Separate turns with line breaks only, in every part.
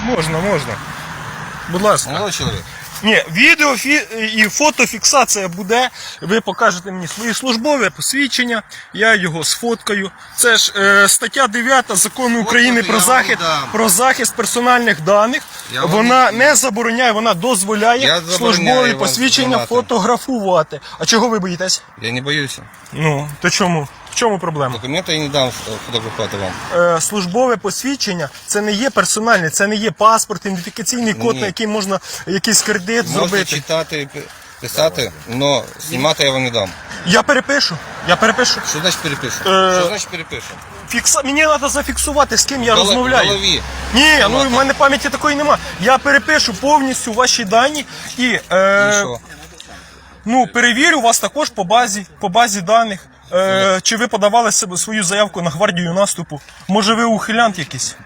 Можна, можна. Будь ласка.
Молодой чоловік.
Ні, відео і фотофіксація буде. Ви покажете мені свої службове посвідчення, я його сфоткаю. Це ж стаття 9 Закону України про захист персональних даних. Вона не забороняє, вона дозволяє службові посвідчення фотографувати. А чого ви боїтесь?
Я не боюся.
Ну, то чому? В чому проблема?
Документи я не дам фотографувати вам.
Службове посвідчення це не є персональне, це не є паспорт, ідентифікаційний код, на який можна якийсь кредит зробити.
Можете читати, писати, але знімати я вам не дам.
Я перепишу.
Що значить перепишу? Що значить перепишу?
Мені треба зафіксувати, з ким я розмовляю.
В голові.
Ні, ну в мене пам'яті такої нема. Я перепишу повністю ваші дані і
що?
Ну, перевірю вас також по базі даних. Чи ви подавали свою заявку на гвардію наступу? Може ви ухилянт якийсь?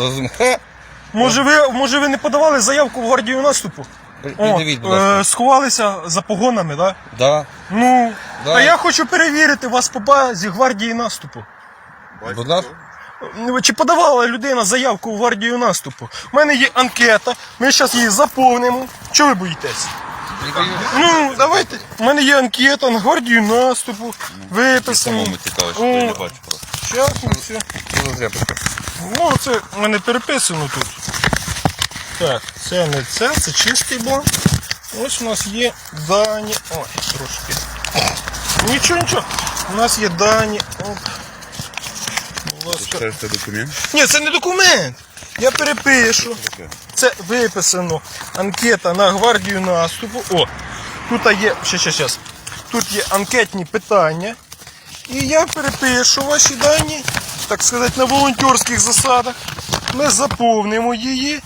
Може ви не подавали заявку в гвардію наступу?
Придивіть, будь ласка.
Сховалися за погонами, так?
Да?
Ну,
Да.
а я хочу перевірити вас по базі гвардії наступу.
Будь ласка.
Чи подавала людина заявку в гвардію наступу? У мене є анкета, ми зараз її заповнимо. Чого ви боїтесь? Ну, давайте. У мене є анкета на гвардію наступу. Виписані.
Самому цікаво, що я не бачу просто.
Щас, все. Ну, це в мене переписано тут. Так, це не це чистий бланк. Ось у нас є дані. Ой, трошки. Нічого. У нас є дані. Оп. Будь ласка.
Це документ?
Ні, це не документ. Я перепишу. Це виписано. Анкета на гвардію наступу. О, тут є. Щас. Тут є анкетні питання. І я перепишу ваші дані, так сказати, на волонтерських засадах. Ми заповнимо її.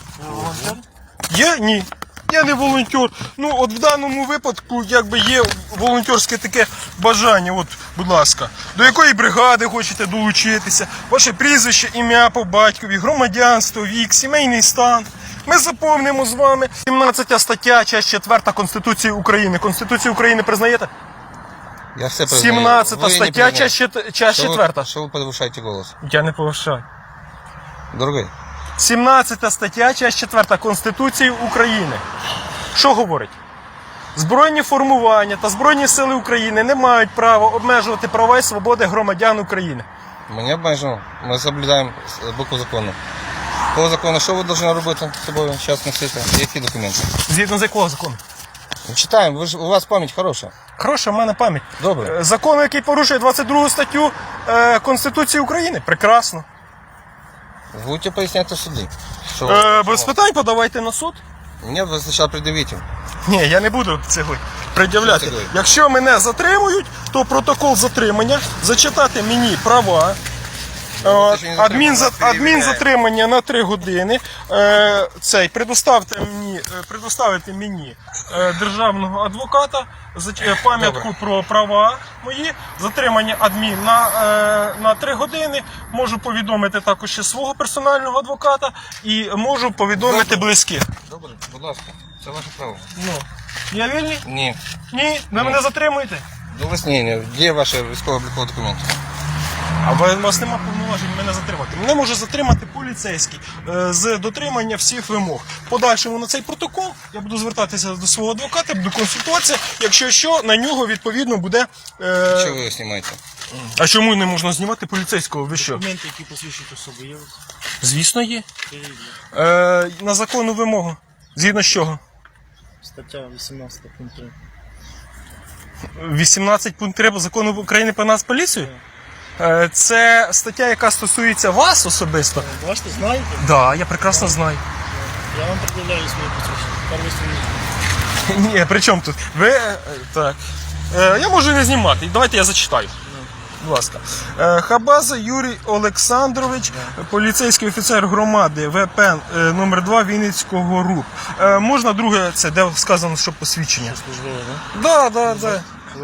Є? Ні. Я не волонтер. Ну, от в даному випадку, якби є волонтерське таке бажання, от, будь ласка, до якої бригади хочете долучитися, ваше прізвище, ім'я по батькові, громадянство, вік, сімейний стан. Ми заповнимо з вами 17 стаття, частина 4 Конституції України. Конституцію України признаєте?
Я все признаю.
17 стаття, частина 4.
Що ви повишаєте голос?
Я не повишаю.
Дорогий.
17 стаття, частина 4 Конституції України. Що говорить? Збройні формування та Збройні сили України не мають права обмежувати права і свободи громадян України.
Ми не обмежуємо. Ми соблюдаємо букву закону. По закону, що ви повинні робити з собою зараз носити? Які документи?
Згідно з якого закону?
Читаємо, у вас пам'ять хороша.
Хороша в мене пам'ять.
Добре.
Закон, який порушує 22 статтю Конституції України. Прекрасно.
Будете поясняти в суді.
Без питань подавайте на суд.
Мені ви спочатку придивіть.
Ні, я не буду цього пред'являти.
Що це?
Якщо мене затримують, то протокол затримання, зачитати мені права, адмінзатримання на 3 години, предоставити мені державного адвоката, пам'ятку про права мої, затримання адмін на 3 години, можу повідомити також ще свого персонального адвоката і можу повідомити близьких.
Добре, будь ласка, це ваше право.
Ну, я вільний?
Ні.
Ні? Ви мене затримуєте?
До вияснення, де ваші військово-облікові документи?
А у вас нема повноважень мене затримати. Мене може затримати поліцейський з дотримання всіх вимог. В подальшому на цей протокол я буду звертатися до свого адвоката, буду консультуватися, якщо що, на нього відповідно буде...
Що ви його знімаєте?
А чому не можна знімати поліцейського? Ви що?
Документи, які посвідчують особу, є?
Звісно є. На законну вимогу. Згідно з чого?
Стаття 18 пункт 3.
18 пункт 3 Закону України про Нацполіцію? Це стаття, яка стосується вас особисто.
Бачите, знаєте?
Так, да, я прекрасно знаю.
Я вам пред'являю свої посвідчення. Перший
Ні, при чому тут? Ви... Так. Я можу не знімати. Давайте я зачитаю. Будь ласка. Хабаза Юрій Олександрович, поліцейський офіцер громади ВП номер 2 Вінницького РУП. Можна друге, це де сказано, що посвідчення?
службове, так?
Да.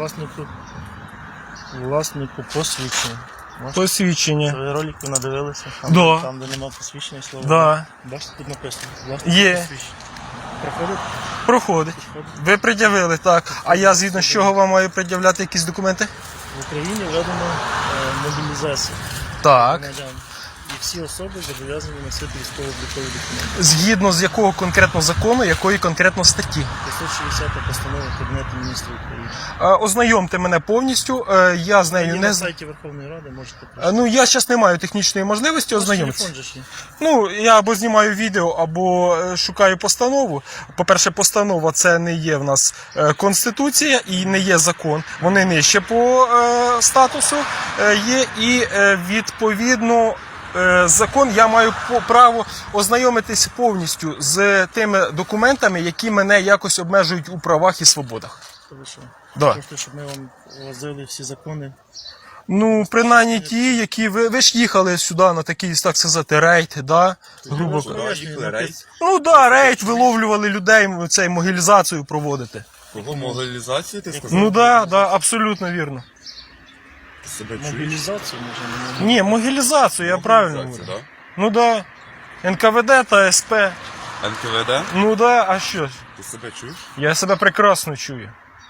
Власнику посвідчення.
Посвідчення.
Ви ролики надивилися?
Да.
Там, де немає посвідчення, слово.
Да.
Бачите, тут написано.
Є.
Посвідчення. Проходить?
Проходить. Ви пред'явили, так. А я згідно з чого вам маю пред'являти якісь документи?
В Україні введено мобілізацію
Так.
громадян. І всі особи зобов'язані носити військово-облікові документи.
Згідно з якого конкретно закону, якої конкретно статті?
560 постанова Кабінету міністрів України.
Ознайомте мене повністю, я з нею
І
не
на
з...
сайті Верховної Ради можете
Ну, я зараз не маю технічної можливості
Ваш
ознайомитися.
телефон же ж є.
Ну, я або знімаю відео, або шукаю постанову. По-перше, постанова це не є в нас Конституція і не є закон. Вони нижче по статусу є і відповідно закон, я маю право ознайомитись повністю з тими документами, які мене якось обмежують у правах і свободах.
То ви що?
Да.
Хочете, щоб ми вам возили всі закони?
Ну, принаймні ті, які ви ж їхали сюди на такий, так сказати, рейд, да? Грубо
Куди
кажучи.
Їхали рейс.
Ну да, рейд, виловлювали людей, цей могилізацію проводити.
Кого мобілізацію ти сказав?
Ну да, да, абсолютно вірно.
Ти себе чуєш?
Мобілізацію можна?
Ні, могилізацію, я правильно говорю.
Да?
Ну да. НКВД та СП.
НКВД?
Ну да, а що ж?
Ти себе чуєш?
Я себе прекрасно чую.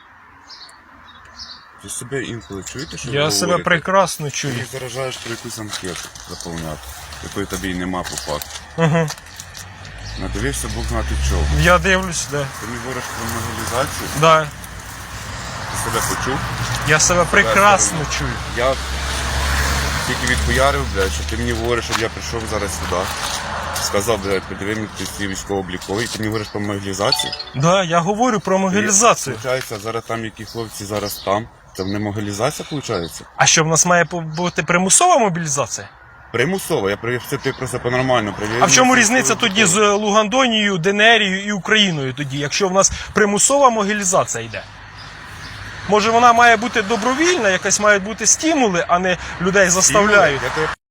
Ти себе інколи чуєте, що ви
Я себе
говорите?
прекрасно
Ти
чую.
їх заражаєш про якусь анкету заповняти, якої тобі й нема по факту.
Угу.
Надивився Бог знати чого.
Я дивлюсь, да.
Ти мені говориш про мобілізацію,
Да.
ти себе почув.
Я себе прекрасно чую.
Я тільки відхуярив, блядь, що ти мені говориш, щоб я прийшов зараз сюди. Сказав, блядь, подиви мені ці військово-облікові, ти мені говориш про мобілізацію.
Да, я говорю про могилізацію.
Получається, зараз там які хлопці зараз там. Це не мобілізація, виходить?
А що в нас має бути примусова мобілізація?
Примусово, я все ти просто по-нормально привів.
А в чому різниця тоді з Лугандонією, Денерією і Україною тоді, якщо в нас примусова мобілізація йде? Може вона має бути добровільна, якась мають бути стимули, а не людей заставляють.
Я тебе